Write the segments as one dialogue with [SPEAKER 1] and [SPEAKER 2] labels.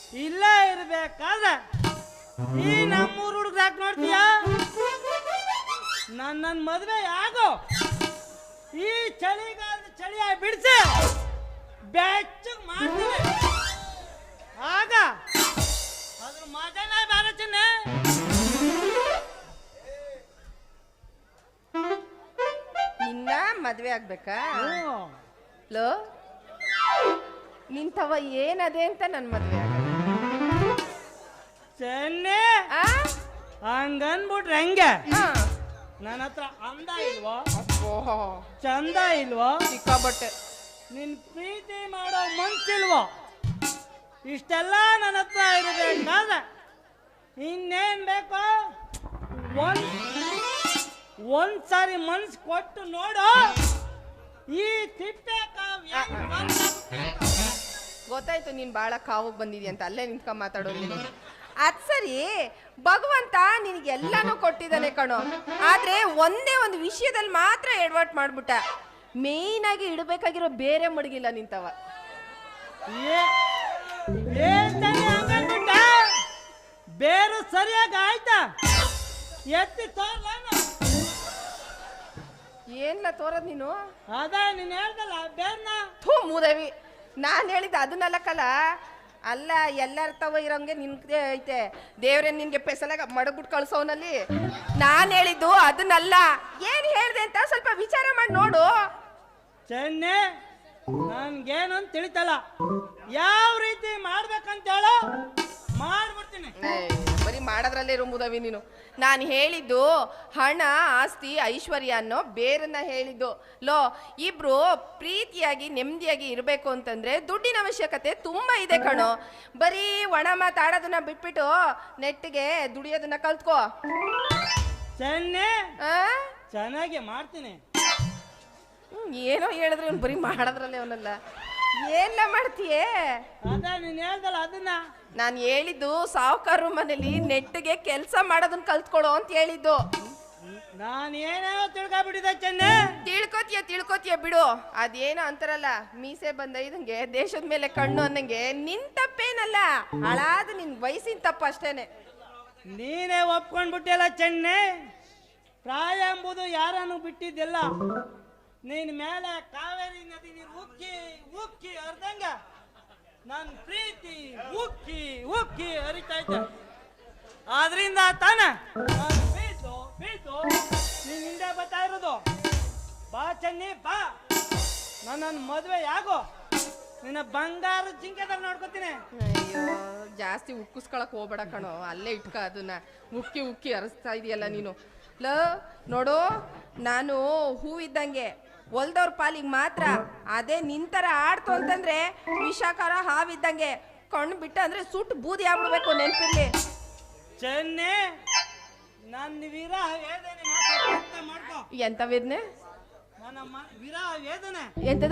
[SPEAKER 1] ಇಲ್ಲೇ ಇರ್ಬೇಕಾದ್ರೆ ಈ ನಮ್ಮೂರು ಹುಡುಗ್ರು ಯಾಕೆ ನೋಡ್ತೀಯ? ನನ್ನ ಮದುವೆ ಆಗೋ ಈ ಚಳಿಗಾಲದ ಚಳಿಯ ಬಿಡಿಸಿ ಬೆಚ್ಚಗೆ ಮಾಡ್ತೀನಿ. ಆಗ ಅದ್ರ ಮಜಾನೇ ಬೇರೆ ಚಿನ್ನೆ.
[SPEAKER 2] ನಿನ್ನ ಮದ್ವೆ ಆಗ್ಬೇಕಾ? ಲೋ ನಿಂತವ ಏನದೆ ಅಂತ ನನ್ ಮದ್ವೆ ಆಗ
[SPEAKER 1] ಚೆನ್ನೆ ಹಂಗನ್ಬಿಟ್ರೆ ಹೆಂಗೆ? ನನ್ನ ಹತ್ರ ಅಂದ ಇಲ್ವೋ, ಚಂದ ಇಲ್ವೋ,
[SPEAKER 2] ಸಿಕ್ಕಾಬಟ್ಟೆ
[SPEAKER 1] ನಿನ್ ಪ್ರೀತಿ ಮಾಡೋ ಮನ್ಸಿಲ್ವೋ? ಇಷ್ಟೆಲ್ಲ ನನ್ನ ಹತ್ರ ಇರಬೇಕಾದ್ರೆ ಇನ್ನೇನ್ ಬೇಕು? ಒಂದ್ಸಾರಿ ಮನ್ಸ್ ಕೊಟ್ಟು ನೋಡು ಈ ತಿಪ್ಪೆ ಕಾವ್ಯ.
[SPEAKER 2] ಗೊತ್ತಾಯ್ತು ನೀನ್ ಬಾಳ ಕಾವಗ್ ಬಂದಿದ್ಯ ಅಂತ, ಅಲ್ಲೇ ನಿಂತ್ಕೊಂಡ್ ಮಾತಾಡೋದು ನೀನು. ಅದ್ ಸರಿ, ಭಗವಂತ ನಿನಗೆಲ್ಲಾನು ಕೊಟ್ಟಿದ್ದಾನೆ ಕಣೋ, ಆದ್ರೆ ಒಂದೇ ಒಂದು ವಿಷಯದಲ್ಲಿ ಮಾತ್ರ ಎಡವಟ್ ಮಾಡ್ಬಿಟ್ಟ. ಮೇಯ್ನ್ ಆಗಿ ಇಡಬೇಕಾಗಿರೋ ಬೇರೆ ಮಡಗಿಲ್ಲ ನಿಂತವ.
[SPEAKER 1] ಬೇರು ಸರಿಯಾಗಿ ಆಯ್ತಾ? ಎತ್ತಿ ತೋರ್ಲಾನ
[SPEAKER 2] ಏನ್ಲ ತೋರದ್ ನೀನು?
[SPEAKER 1] ಅದ ನೀನ್ ಹೇಳ್ದಲ್ಲ ಬೇರ್ನ.
[SPEAKER 2] ಥೂ ಮೂದೇವಿ, ನಾನ್ ಹೇಳಿದ ಅದನ್ನಲ್ಲಕ್ಕಲ್ಲ. ಅಲ್ಲ ಎಲ್ಲರ ತವ ಇರೋಂಗೆ ನಿನ್ಗೆ ಐತೆ. ದೇವ್ರೆ ನಿನ್ಗೆ ಪೆಸಲಾಗ ಮಡಗ್ಬಿಟ್ಟು ಕಳ್ಸೋನಲ್ಲಿ. ನಾನ್ ಹೇಳಿದ್ದು ಅದನ್ನಲ್ಲ. ಏನ್ ಹೇಳ್ದೆ ಅಂತ ಸ್ವಲ್ಪ ವಿಚಾರ ಮಾಡಿ ನೋಡು.
[SPEAKER 1] ಚೆನ್ನೆ ನನ್ಗೇನಂತ ತಿಳಿತಲ್ಲ, ಯಾವ ರೀತಿ ಮಾಡ್ಬೇಕಂತ ಹೇಳೋ ಮಾಡ್ಬಿಡ್ತೀನಿ.
[SPEAKER 2] ಬರೀ ಮಾಡೋದ್ರಲ್ಲೇ ಇರೋ ಮುದವಿ ನೀನು. ನಾನು ಹೇಳಿದ್ದು ಹಣ ಆಸ್ತಿ ಐಶ್ವರ್ಯ ಅನ್ನೋ ಬೇರನ್ನ ಹೇಳಿದ್ದು. ಲೋ, ಇಬ್ರು ಪ್ರೀತಿಯಾಗಿ ನೆಮ್ಮದಿಯಾಗಿ ಇರಬೇಕು ಅಂತಂದ್ರೆ ದುಡ್ಡಿನ ಅವಶ್ಯಕತೆ ತುಂಬಾ ಇದೆ ಕಣೋ. ಬರೀ ಒಣ ಮಾತಾಡೋದನ್ನ ಬಿಟ್ಬಿಟ್ಟು ನೆಟ್ಟಿಗೆ ದುಡಿಯೋದನ್ನ ಕಲ್ತ್ಕೋ.
[SPEAKER 1] ಚೆನ್ನೆ ಚೆನ್ನಾಗಿ ಮಾಡ್ತೀನಿ.
[SPEAKER 2] ಏನೋ ಹೇಳಿದ್ರೆ ಅವ್ನು ಬರೀ ಮಾಡೋದ್ರಲ್ಲೇ ಅವನಲ್ಲ. ಏನ್ಲ ಮಾಡ್ತೀಯೇ?
[SPEAKER 1] ಅದ ನೀನ್ ಹೇಳ್ದಲ್ಲ ಅದನ್ನ.
[SPEAKER 2] ನಾನು ಹೇಳಿದ್ದು ಸಾವುಕಾರ ಮನೇಲಿ ನೆಟ್ಟಿಗೆ ಕೆಲಸ ಮಾಡೋದನ್ನ ಕಲ್ತ್ಕೊಳ್ಳೋ ಅಂತ ಹೇಳಿದ್ದು.
[SPEAKER 1] ನಾನು ಏನೇನೋ ತಿಳ್ಕೊಬಿಟ್ಟಿದ್ದೆ ಚೆನ್ನೆ.
[SPEAKER 2] ತಿಳ್ಕೊತೀಯ ಬಿಡು. ಅದೇನೋ ಅಂತಾರಲ್ಲ, ಮೀಸೆ ಬಂದ ಇದಂಗೆ ದೇಶದ ಮೇಲೆ ಕಣ್ಣು ಅನ್ನಂಗೆ ನಿನ್ ತಪ್ಪೇನಲ್ಲ, ಹಾಳಾದ ನಿನ್ ವಯಸ್ಸಿನ ತಪ್ಪ ಅಷ್ಟೇನೆ.
[SPEAKER 1] ನೀನೇ ಒಪ್ಕೊಂಡ್ಬಿಟ್ಟಿಲ್ಲ ಚೆನ್ನೆ. ಪ್ರಾಯ ಎಂಬುದು ಯಾರನ್ನು ಬಿಟ್ಟಿದ್ದಿಲ್ಲ. ನೀನ್ ಮೇಲೆ ಕಾವೇರಿ ನದಿ ನೀರು ಉಕ್ಕಿ ಉಕ್ಕಿ ಹರಿದಂಗ ನನ್ ಪ್ರೀತಿ ಉಕ್ಕಿ ಉಕ್ಕಿ ಹರಿತೈತೆ. ಆದ್ರಿಂದ ತಾನ ಬೀಸು ಬೀಸು ನೀನ್ ಹಿಂದೆ ಬರ್ತಾ ಇರೋದು. ಬಾ ಚೆನ್ನಿ ಬಾ, ನನ್ನ ಮದುವೆ ಯಾಗೋ, ನಿನ್ನ ಬಂಗಾರ ಜಿಂಕೆದಾರ ನೋಡ್ಕೊತೀನಿ.
[SPEAKER 2] ಅಯ್ಯೋ, ಜಾಸ್ತಿ ಉಕ್ಕಿಸ್ಕೊಳಕ್ ಹೋಗ್ಬೇಡ ಕಣೋ, ಅಲ್ಲೇ ಇಟ್ಕ ಅದನ್ನ. ಉಕ್ಕಿ ಉಕ್ಕಿ ಹರಿಸ್ತಾ ಇದೆಯಲ್ಲ ನೀನು. ನೋಡು, ನಾನು ಹೂವಿದ್ದಂಗೆ, ಹೊಲ್ದವ್ರ ಪಾಲಿಗೆ ಮಾತ್ರ. ಅದೇ ನಿಂತರ ಆಡ್ತು ಅಂತಂದ್ರೆ ವಿಷಾಕಾರ ಹಾವಿದ್ದಂಗೆ, ಕಣ್ಣು ಬಿಟ್ಟ ಅಂದ್ರೆ ಸುಟ್ಟು ಬೂದಿ ಆಗ್ಬಿಡ್ಬೇಕು, ನೆನ್ಪಿರ್ಲಿ.
[SPEAKER 1] ಚೆನ್ನೆ ನನ್ನ ವಿರಹ ವೇದನೆ ಮಾಡ್ಕೋ.
[SPEAKER 2] ಎಂತ ವೇದನೆ?
[SPEAKER 1] ನನ್ನ ವಿರಹ ವೇದನೆ.
[SPEAKER 2] ಎಂತದ?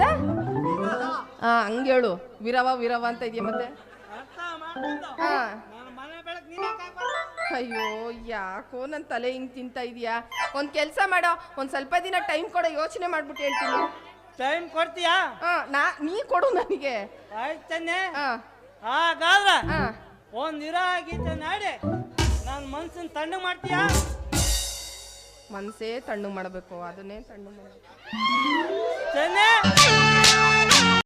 [SPEAKER 2] ಹಂಗ ಹೇಳು. ವಿರವ ವಿರವ ಅಂತ ಇದೆಯಾ ಮತ್ತೆ?
[SPEAKER 1] ಅರ್ಥ ಮಾಡ್ಕೊಂಡು ನನ್ನ ಮನೆ ಬೆಳಕ್ ನೀನೇ ಕಾಪಾಡು.
[SPEAKER 2] ಅಯ್ಯೋ, ಯಾಕೋ ನನ್ನ ತಲೆ ಹಿಂಗ್ ತಿಂತ ಇದೀಯಾ? ಒಂದ್ ಕೆಲ್ಸ ಮಾಡೋ, ಒಂದ್ ಸ್ವಲ್ಪ ದಿನ ಟೈಮ್ ಕೊಡೋ, ಯೋಚನೆ ಮಾಡ್ಬಿಟ್ಟು ಹೇಳ್ತೀನಿ.
[SPEAKER 1] ಟೈಮ್ ಕೊಡ್ತೀಯಾ?
[SPEAKER 2] ನೀ ಕೊಡು ನನಗೆ.
[SPEAKER 1] ಆಯ್ತು ಚೆನ್ನೆ. ಹಾಗಾದ್ರ ಒಂದ್ ವಿರಹ ಗೀತೆ ನಾಡಿ ನನ್ನ ಮನ್ಸನ್ ತಣ್ಣು ಮಾಡ್ತೀಯಾ?
[SPEAKER 2] ಮನ್ಸೇ ತಣ್ಣು ಮಾಡ್ಬೇಕು, ಅದನ್ನೇ ತಣ್ಣು ಮಾಡ್ಬೇಕು
[SPEAKER 1] ಚೆನ್ನೆ.